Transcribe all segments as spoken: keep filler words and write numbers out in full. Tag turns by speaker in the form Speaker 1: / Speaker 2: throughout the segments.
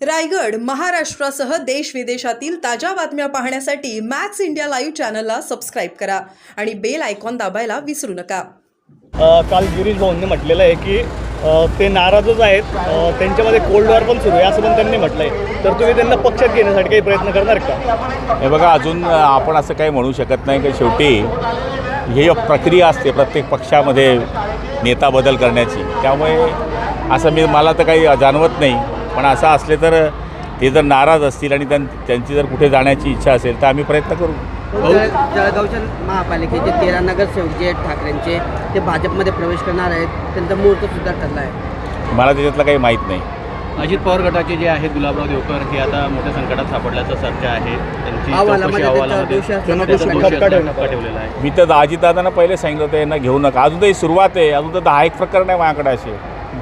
Speaker 1: रायगड महाराष्ट्रासह देश विदेशातील ताज्या बातम्या पाहण्यासाठी मॅक्स इंडिया लाईव्ह चॅनलला सबस्क्राईब करा आणि बेल आयकॉन दाबायला विसरू नका।
Speaker 2: काल गिरीश भाऊंनी म्हटलेलं आहे की अ, ते नाराजच आहेत, अ, त्यांच्यामध्ये कोल्ड वॉर पण सुरू आहे असं पण त्यांनी म्हटलं आहे। तर तुम्ही त्यांना पक्षात घेण्यासाठी काही प्रयत्न करणार का?
Speaker 3: हे बघा, अजून आपण असं काही म्हणू शकत नाही की शेवटी ही प्रक्रिया असते प्रत्येक पक्षामध्ये नेता बदल करण्याची, त्यामुळे असं मी मला तर काही जाणवत नाही। पण असं असले तर ते जर नाराज असतील आणि त्यां त्यांची जर कुठे जाण्याची इच्छा असेल तर आम्ही प्रयत्न करू।
Speaker 4: जळगावच्या महापालिकेचे तेरा नगरसेवक जे आहेत ठाकरेंचे, ते भाजपमध्ये प्रवेश करणार आहेत, त्यांचा मुहूर्तसुद्धा ठरला आहे।
Speaker 3: मला त्याच्यातलं काही माहीत नाही।
Speaker 5: अजित पवार गटाचे जे आहेत गुलाबराव देवकर हे आता मोठ्या संकटात सापडल्याचं चर्चा आहे। त्यांची
Speaker 4: अहवालामध्ये
Speaker 5: चौकशी
Speaker 4: त्याचा
Speaker 5: अहवालामध्ये
Speaker 4: दोष असल्यामुळे
Speaker 5: त्याचा
Speaker 4: त्यांना
Speaker 5: दोष
Speaker 2: ठपका
Speaker 5: असल्यामुळे ठपका ठेवलेला आहे।
Speaker 3: मी तर अजितदादांना पहिले सांगितलं होतं यांना घेऊ नका, अजून तरी सुरुवात आहे, अजून तर दहा एक प्रकरण आहे माझ्याकडे असे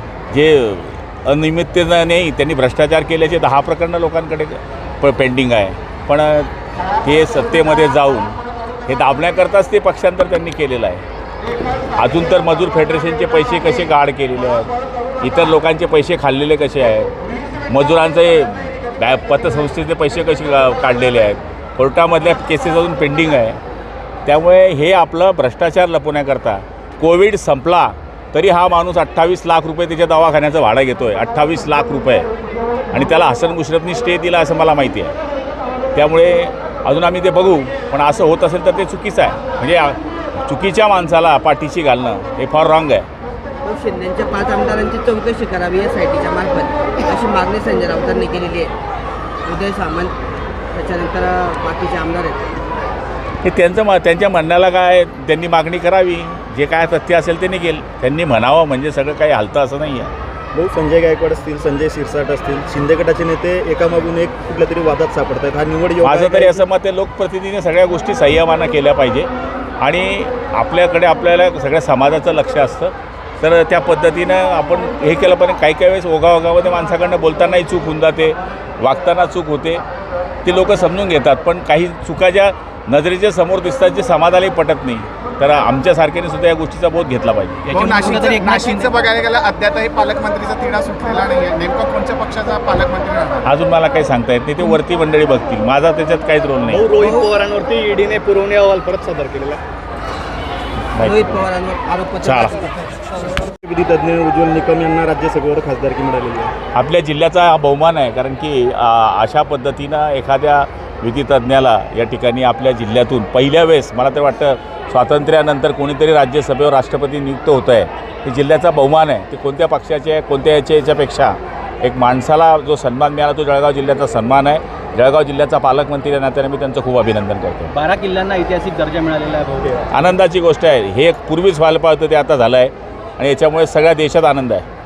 Speaker 3: जे अनियमिततेनं नाही, त्यांनी भ्रष्टाचार केल्याचे दहा प्रकरणं लोकांकडे प पेंडिंग आहे। पण ते सत्तेमध्ये जाऊन हे दाबण्याकरताच ते पक्षांतर त्यांनी केलेलं आहे। अजून तर मजूर फेडरेशनचे पैसे कसे गाड केलेले आहेत, इतर लोकांचे पैसे खाल्लेले कसे आहेत, मजुरांचे बॅ पतसंस्थेचे पैसे कसे काढलेले आहेत, कोर्टामधल्या केसेस अजून पेंडिंग आहे। त्यामुळे हे आपलं भ्रष्टाचार लपवण्याकरता कोविड संपला तरी हा माणूस अठ्ठावीस लाख रुपये त्याच्या दवाखान्याचं भाडं घेतो आहे, अठ्ठावीस लाख रुपये, आणि त्याला हसन मुश्रफनी स्टे दिला असं मला माहिती आहे। त्यामुळे अजून आम्ही ते बघू, पण असं होत असेल तर ते चुकीचं आहे। म्हणजे चुकीच्या माणसाला पाठीशी घालणं हे फार रॉंग आहे।
Speaker 4: शिंदेच्या पाच आमदारांची चौकशी करावी एस आय टीच्या मार्फत, अशी मागणी संजय राऊतांनी केलेली आहे। उदय सामंत त्याच्यानंतर बाकीचे आमदार आहेत,
Speaker 3: हे त्यांचं म त्यांच्या म्हणण्याला काय, त्यांनी मागणी करावी, जे काय तथ्य असेल ते निघेल, त्यांनी म्हणावं म्हणजे सगळं काही हालतं असं नाही आहे।
Speaker 2: भाऊ, संजय गायकवाड असतील, संजय शिरसाट असतील, शिंदे गटाचे नेते एकामागून एक कुठल्या तरी वादात सापडत आहेत। हा निवड योग्य
Speaker 3: माझं
Speaker 2: आहे
Speaker 3: तरी
Speaker 2: का?
Speaker 3: असं मत आहे, लोकप्रतिनिधीने सगळ्या गोष्टी संयमानं केल्या पाहिजे आणि आपल्याकडे आपल्याला सगळ्या समाजाचं लक्ष असतं, तर त्या पद्धतीनं आपण हे केलं पाहिजे। काही काही वेळेस ओघाओघामध्ये माणसाकडनं बोलतानाही चूक होऊन जाते, वागताना चूक होते, ते लोक समजून घेतात। पण काही चुका ज्या नजरेच्या समोर दिसतात, जे समाजालाही पटत नाही, तर आमच्यासारख्याने सुद्धा या गोष्टीचा बोध घेतला पाहिजे।
Speaker 6: हो, नाशिकचं नाशिकचं बघायला गेलं अद्यापही पालकमंत्रीचा तिढा सुटलेला नाही आहे। नेमका कोणत्या पक्षाचा पालकमंत्री राहणार?
Speaker 3: अजून मला काही सांगता येत नाही, ते वरती मंडळी बघतील, माझा त्याच्यात काहीच रोल नाही।
Speaker 2: भाऊ, रोहित पवारांवरती ईडीने पुरवणी अहवाल परत सादर केलेला
Speaker 4: रोहित पवारांवर आरोपपत्र
Speaker 3: चाल.
Speaker 2: विधितज्ञ उज्ज्वल निकम यांना राज्यसभेवर खासदारकी मिळालेली आहे।
Speaker 3: आपल्या जिल्ह्याचा हा बहुमान आहे, कारण की आ, अशा पद्धतीनं एखाद्या विधितज्ञाला या ठिकाणी आपल्या जिल्ह्यातून पहिल्या वेळेस, मला तर वाटतं स्वातंत्र्यानंतर कोणीतरी राज्यसभेवर राष्ट्रपती नियुक्त होत आहे, हे जिल्ह्याचा बहुमान आहे। ते कोणत्या पक्षाचे आहे, कोणत्या याच्या याच्यापेक्षा एक माणसाला जो सन्मान मिळाला तो जळगाव जिल्ह्याचा सन्मान आहे। जळगाव जिल्ह्याचा पालकमंत्री या नात्याने मी त्यांचं खूप अभिनंदन करतो।
Speaker 5: बारा किल्ल्यांना ऐतिहासिक दर्जा मिळालेला आहे भाऊ।
Speaker 3: आनंदाची गोष्ट आहे, हे पूर्वीच व्हायला पाहिजे होतं, ते आता झालं आहे आणि याच्यामुळे सगळ्या देशात आनंद आहे।